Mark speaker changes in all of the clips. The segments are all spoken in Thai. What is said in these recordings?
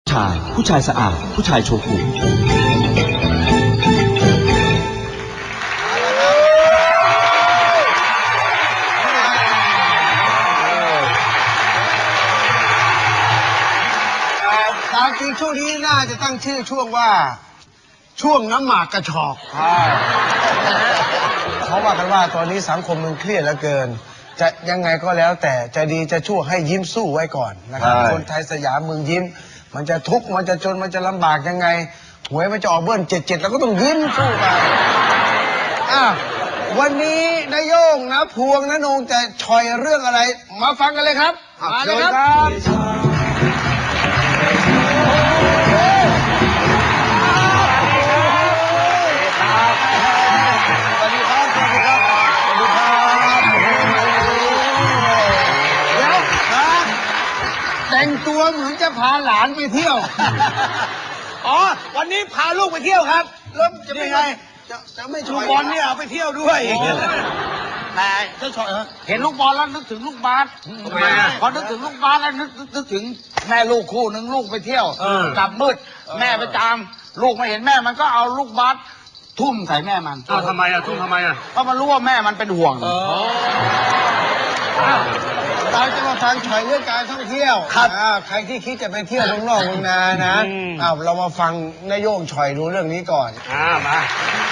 Speaker 1: ผู้ชายสะอาดผู้ชายโชกุ
Speaker 2: ตามจริงช่วงนี้น่าจะตั้งชื่อช่วงว่าช่วงน้ำหมากกระชอกเขาว่ากันว่าตอนนี้สังคมมันเครียดเหลือเกินจะยังไงก็แล้วแต่จะดีจะชั่วให้ยิ้มสู้ไว้ก่อนนะครับคนไทยสยามเมืองยิ้มมันจะทุกข์มันจะจนมันจะลำบากยังไงหวยมันจะออกเบิ้ล77แล้วก็ต้องยิ้มสู้ไปวันนี้นายโย่งนะพวงนะนงจะชอยเรื่องอะไรมาฟังกันเลยครับมาเลยครับแต่งตัวเหมือนจะพาหลานไปเที่ยววันนี้พาลูกไปเที่ยวครับแล้วจะเป็นไงจะไม่ชวนบอลเนี่ยเอาไปเที่ยวด้วยแต่จะชวนเห็นลูกบอลแล้วนึกถึงลูกบาสพอนึกถึงลูกบาสแล้วนึกถึงแม่ลูกคู่หนึ่งลูกไปเที่ยวกลับมืดแม่ไปตามลูกมาเห็นแม่มันก็เอาลูกบาสทุ่มใส่แม่มัน
Speaker 3: ทำไมทุ่มทำไม
Speaker 2: เพราะมันรู้ว่าแม่มันเป็นห่วงเราจะมาฟังฉอยเรื่องการท่องเที่ยวครับใครที่คิดจะไปเที่ยวเมืองนอกเมืองนานะเรามาฟังนายโย่งฉอยดูเรื่องนี้ก่อน
Speaker 3: มา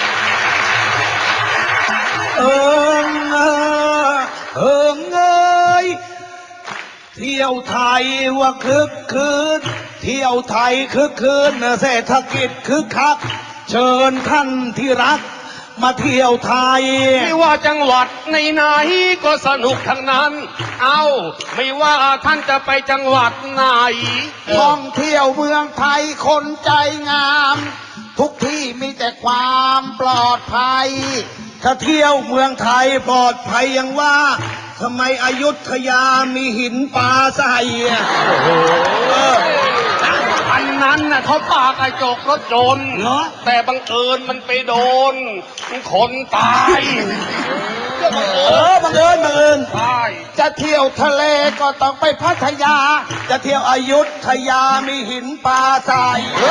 Speaker 4: เอ้ยเที่ยวไทยว่าคึกคืนเที่ยวไทยคึกคืนเศรษฐกิจคึกคักเชิญท่านที่รักมาเที่ยวไทย
Speaker 3: ไม่ว่าจังหวัดไหนๆก็สนุกทั้งนั้นไม่ว่าท่านจะไปจังหวัดไหน
Speaker 4: ท่องเที่ยวเมืองไทยคนใจงามทุกที่มีแต่ความปลอดภัยถ้าเที่ยวเมืองไทยปลอดภัยยังว่าทำไมอยุธยามีหินปลาใส่
Speaker 3: อันนั้นน่ะเขาปากระจกรถยนต์แต่บังเอิญมันไปโดนคนตาย
Speaker 4: บังเอิญจะเที่ยวทะเลก็ต้องไปพัทยาจะเที่ยวอยุธยามีหินปลาใส่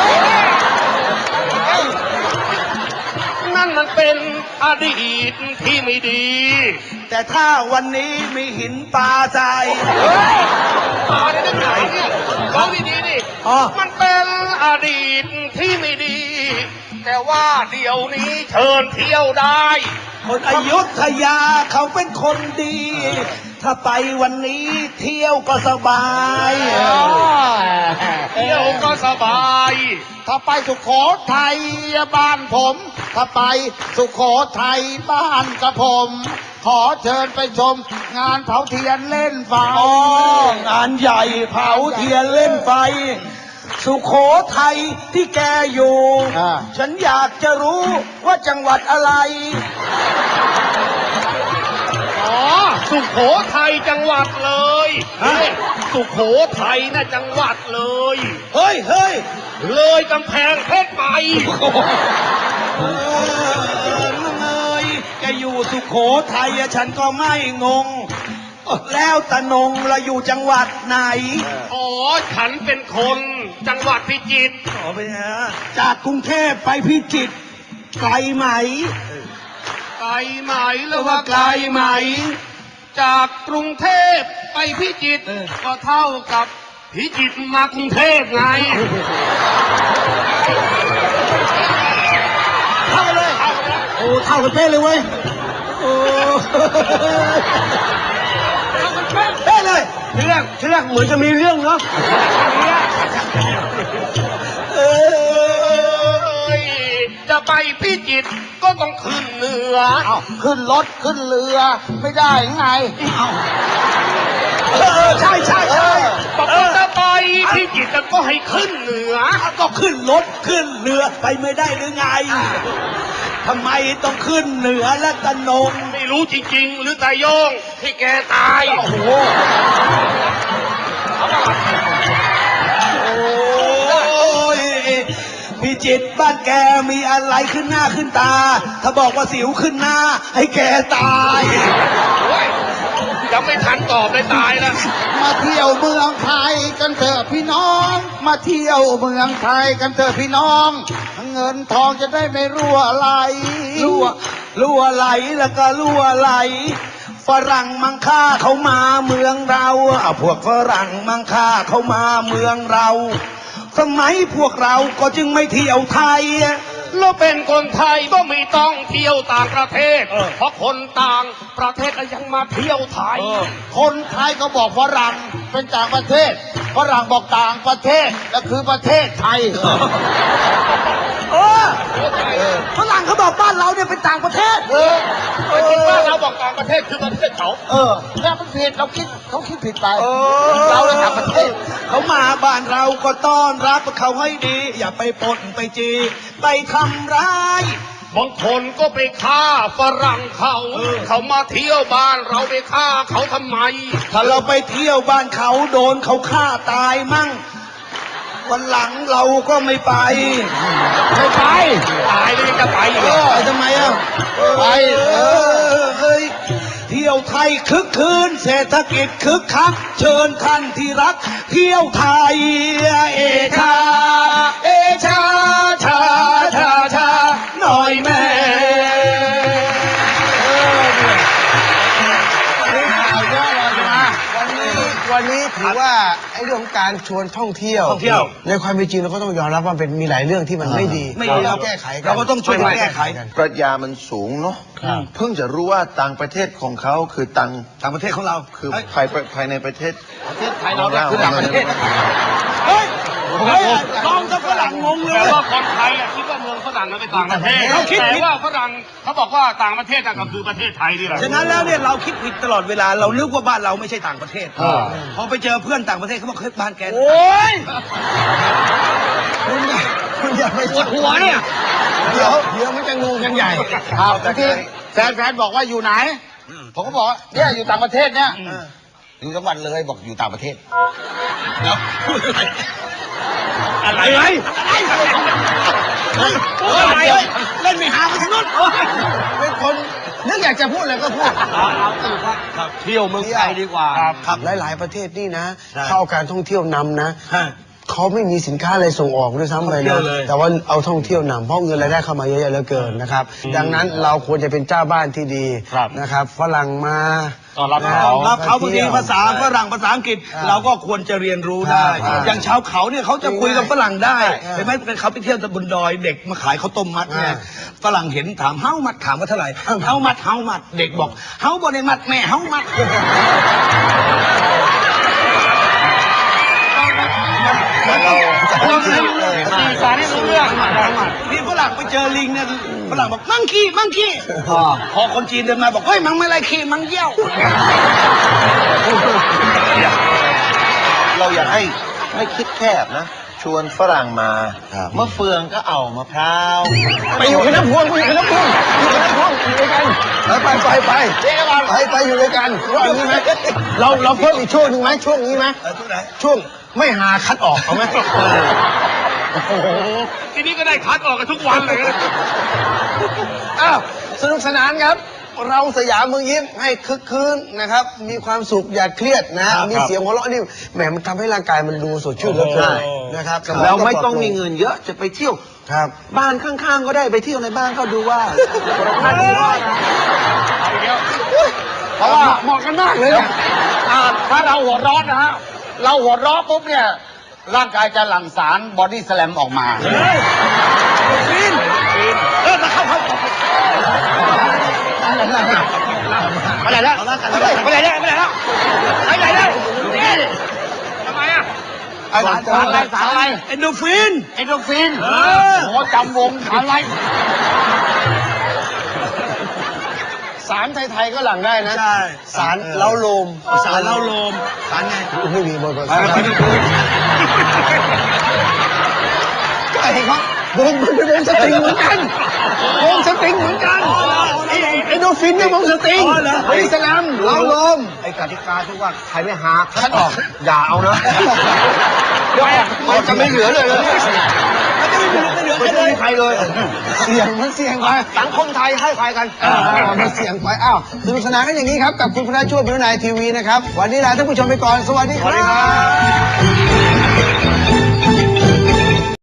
Speaker 3: นั่นมันเป็นอดีตที่ไม่ดี
Speaker 4: แต่ถ้าวันนี้มีหินปลาใส่
Speaker 3: ปลาได้ไหนเนี่ยฟังดีๆดิมันเป็นอดีตที่ไม่ดีแต่ว่าเดี๋ยวนี้เชิญเที่ยวได้
Speaker 4: คนอยุธยาเขาเป็นคนดีถ้าไปวันนี้เที่ยวก็สบาย
Speaker 3: เที่ยวก็สบาย
Speaker 4: ถ้าไปสุโขทัยบ้านผมถ้าไปสุโขทัยบ้านกระผมขอเชิญไปชมงานเผาเทียนเล่นไฟงานใหญ่เผาเทียนเล่นไฟสุโขทัยที่แกอยู่ฉันอยากจะรู้ว่าจังหวัดอะไร
Speaker 3: สุโขทัยจังหวัดเลยสุโขทัยน่ะจังหวัดเลย
Speaker 4: เฮ้ย
Speaker 3: เลยกำแพงเพชรไป
Speaker 4: แกอยู่สุโขทัยฉันก็ไม่งงแล้วตะนงเราอยู่จังหวัดไหน
Speaker 3: ฉันเป็นคนจังหวัดพิจิตร
Speaker 4: เป็นไงจากกรุงเทพไปพิจิตรไกลไหม
Speaker 3: หรือว่าไกลไหมจากกรุงเทพไปพิจิตรก็เท่ากับพิจิตรมากรุงเทพไง
Speaker 4: เท่าเลยเท่ากันเป๊ะเลยเว้ยเป๊ะเลย
Speaker 2: เรื่องเหมือนจะมีเรื่องเนาะ
Speaker 3: จะไปพิจิตรก็ต้องขึ้นเหนือ
Speaker 4: ขึ้นรถขึ้นเรือไม่ได้ไงใช่
Speaker 3: บอกว่าจะไปพิจิตรก็ให้ขึ้นเหนือ
Speaker 4: ก็ขึ้นรถขึ้นเรือไปไม่ได้หรือไงทำไมต้องขึ้นเหนือและตะนง
Speaker 3: ไม่รู้จริงๆหรือตาโยงที่แกตาย
Speaker 4: พิจิตรบ้านแกมีอะไรขึ้นหน้าขึ้นตาถ้าบอกว่าสิวขึ้นหน้าให้แกตาย
Speaker 3: ยังไม่ทันตอบเลยตายแล้ว
Speaker 4: มาเที่ยวเมืองไทยกันเถอะพี่น้อง มาเที่ยวเมืองไทยกันเถอะพี่น้อง เงินทองจะได้ไม่รั่วไหล
Speaker 2: รั่วไหลแล้วก็รั่วไหลฝรั่งมังค่าเขามาเมืองเราพวกฝรั่งมังค่าเขามาเมืองเรา สมัยพวกเราก็จึงไม่เที่ยวไทย
Speaker 3: เราเป็นคนไทยก็ไม่ต้องเที่ยวต่างประเทศ เพราะคนต่างประเทศก็ยังมาเที่ยวไทย
Speaker 4: คนไทยก็บอกฝรั่งเป็นต่างประเทศฝรั่งบอกต่างประเทศก็คือประเทศไทย
Speaker 2: ฝรั่งเขาบอกบ้านเราเนี่ยเป็นต่างประเทศ
Speaker 3: แต่คิดว่าเราบอกต่างประเทศคือประเทศเขา
Speaker 4: แต่มันผิดเขาคิดผิดไปเราเลยต่างประเทศ
Speaker 2: เขามาบ้านเราก็ต้อนรับเขาให้ดี อย่าไปปนไปจีไปทำร้าย
Speaker 3: บางคนก็ไปฆ่าฝรั่งเขามาเที่ยวบ้านเราไปฆ่าเขาทำไม
Speaker 2: ถ้าเราไปเที่ยวบ้านเขาโดนเขาฆ่าตายมั่งวันหลังเราก็ไม่ไป
Speaker 3: ไม่ไปตายเลยจะไปอีกเหรอ
Speaker 2: ไปทำไมอ่ะไปเฮ้ยเที่ยวไทยคึกคืนเศรษฐกิจคึกคักเชิญท่านที่รักเที่ยวไทยเอชาเอชาชาชาชาหน่อยแม่
Speaker 5: วันนี้ถือว่าไอ้เรื่องของการชวนท่องเที่ยวในความเป็นจริงเราก็ต้องยอมรับว่าเป็นมีหลายเรื่องที่มันไม่ดีเราแก้ไขกัน
Speaker 2: เราก็ต้องช่วยกันแก้ไขกัน
Speaker 6: ปรัชญามันสูงเนาะเพิ่งจะรู้ว่าต่างประเทศของเขาคือต่าง
Speaker 2: ประเทศของเรา
Speaker 6: คือภายในประเทศ
Speaker 4: ไทยเราเนี่ยคือต่างประเทศ
Speaker 2: เฮ้ยลองจะฝรั่งงงเล
Speaker 3: แต่
Speaker 2: ย
Speaker 3: ว่าคนไทยคิดว่าเมืองฝรั่งนั้นเป็นต่างประเทศแต่ว่าฝรั่งเขาบอกว่าต่างประเทศก็คือประเทศไทยนี่แหละ
Speaker 2: ฉะนั้นแล้วเนี่ยเราคิดผิดตลอดเวลาเรานึกว่าบ้านเราไม่ใช่ต่างประเทศพอไปเจอเพื่อนต่างประเทศเขาบอกเฮ้ยบ้านแกโอ้ยคุณอย่าไปปวดหัวเนี่ย
Speaker 5: เดี๋ยวมันจะงงกันใหญ่
Speaker 4: ครับที่แฟนบอกว่าอยู่ไหนผมก็บอกว่าเนี่ยอยู่ต่างประเทศเนี่ยอยู่จังหวัดเลยบอกอยู่ต่างประเทศ
Speaker 3: อะไร
Speaker 2: เล่นไม่หาไปทางนู้น
Speaker 5: เป็นคนนึกอยากจะพูดอะไรก็พูด
Speaker 2: เที่ยวเมืองไทยดีกว่าครับ
Speaker 5: หลายๆประเทศนี่นะเข้าการท่องเที่ยวนำนะเขาไม่มีสินค้าอะไรส่งออกด้วยซ้ำไปนะแต่ว่าเอาท่องเที่ยวนำเพราะเงินรายได้เข้ามาเยอะๆเหลือเกินนะครับดังนั้นเราควรจะเป็นเจ้าบ้านที่ดีนะครับฝรั่งมา
Speaker 2: รับเขาบางทีภาษาฝรั่งภาษาอังกฤษเราก็ควรจะเรียนรู้ได้ อย่างชาวเขาเนี่ยเขาจะคุยกับฝรั่งได้เห็นไหมเป็นเขาไปเที่ยวบนดอยเด็กมาขายข้าวต้มมัดเนี่ยฝรั่งเห็นถามเฮ้ามัดถามว่าเท่าไหร่เฮ้ามัดเด็กบอกเฮ้าบนในมัดแม่เฮ้ามัด
Speaker 3: สารให้รู้เรื่อง
Speaker 2: นี่ฝรั่งไปเจอลิงเนี่ยฝรั่งบอกมังคีพอคนจีนเดินมาบอกเฮ้ยมังไม่ไรขี้มังเยี่ยว
Speaker 6: เราอยากให้คิดแคบนะชวนฝรั่งมาเมื่อเฟืองก็เอามะพร้าว
Speaker 5: ไปอยู่กับน้ำพวงอยู่ด้วยกันไปอยู่ด้วยกันว่าอย่างนี้ไหมเราเพิ่มอีกช่วงหนึ่งไหมช่วงนี้ไหมช่วงไม่หาคัดออกเอาไหม
Speaker 3: ทีนี้ก็ได้คัดออกกันทุกวันเลย
Speaker 5: อ้าวสนุกสนานครับ เราสยามเมืองยิ้มให้คึกคืนนะครับมีความสุขอย่าเครียดนะมีเสียงหัวเราะนี่แหมมันทำให้ร่างกายมันดูสดชื่นเหลือเกินนะครับ
Speaker 6: เราไม่ต้องมีเงินเยอะจะไปเที่ยว
Speaker 5: ครับ
Speaker 6: บ้านข้างๆก็ได้ไปเที่ยวในบ้านก็ดูว่า
Speaker 4: เพราะว่าเหมาะกันมากเลยนะถ้าเราหัวร้อนนะฮะเราหัวร้อนปุ๊บเนี่ยร่างกายจะหลั่งสารบอดี้สแลมออกมาไปไหนแล้ว
Speaker 3: ทำไมอ่ะ
Speaker 4: สารอะไร
Speaker 2: เอนโดฟิน
Speaker 4: โอ้จำวงสารอะไร
Speaker 5: สารไทยๆก็หลังได้นะ
Speaker 2: ใช่
Speaker 5: สารเล้าโลม
Speaker 2: สารเล้าโลมสารไง
Speaker 5: ไม่มีบนไอ้ครับวงสตริงเหมือนกันไอ้โดฟินเนี่ยวงสตริงบริสแลมเล้าโลมไอ้กติกาที่ว่าใครไม่หาคัดออกอย่าเอานะเดี๋ยวมันจะไม่เหลือเลย
Speaker 2: ไม่ได้ใครเลย
Speaker 5: เสี่ยงมันเสี่ยงไป
Speaker 2: สังคมไทยให้ใครกัน
Speaker 5: มันเสี่ยงไปอ้าวสนุกสนานกันอย่างนี้ครับกับคุณพระช่วยพิรุณายทีวีนะครับวันนี้ลาท่านผู้ชมไปก่อนสวัสดีครับ